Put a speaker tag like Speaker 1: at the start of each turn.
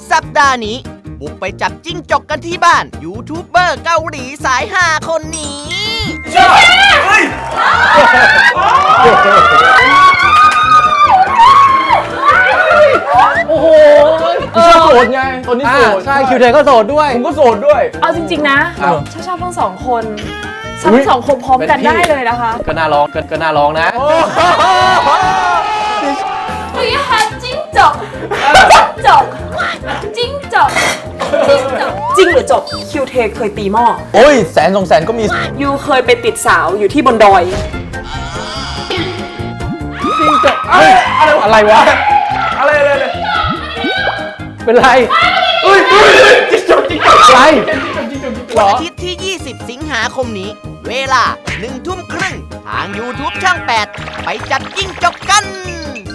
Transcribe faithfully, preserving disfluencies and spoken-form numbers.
Speaker 1: สัปดาห์นี้บุกไปจับจิ้งจกกันที่บ้านยูทูบเบอร์เกาหลีสายฮาคนนี้
Speaker 2: โอ้โหชอบโสดไงตอนนี้โสดใช่คิวเทก็โสดด้วยผมก็โสดด้วย
Speaker 3: เอาจริงๆนะชอบชอบทั้งสองคนทั้งสองคนพร้อมกันได้เลยนะคะ
Speaker 2: ก็น่าร้องก็น่าร้องนะ
Speaker 3: Do you have จิ้งจกจกจิ้งจกจิ้งจกจริงหรือจบคิวเทเคยตีหม้อ
Speaker 2: โอ้ยแสนสองแสนก็มี
Speaker 3: ยูเคยไปติดสาวอยู่ที่บนดอย
Speaker 2: จิ้งจกอะไรวะอะไรอะไรอะไรเป็นไรเฮ้ยจิ้งจกจิ้งจกอะไร
Speaker 1: วันอาทิตย์ที่ยี่สิบสิงหาคมนี้เวลาหนึ่งทุ่มครึ่งทาง YouTube ช่องแปดไปจับจิ้งจกกัน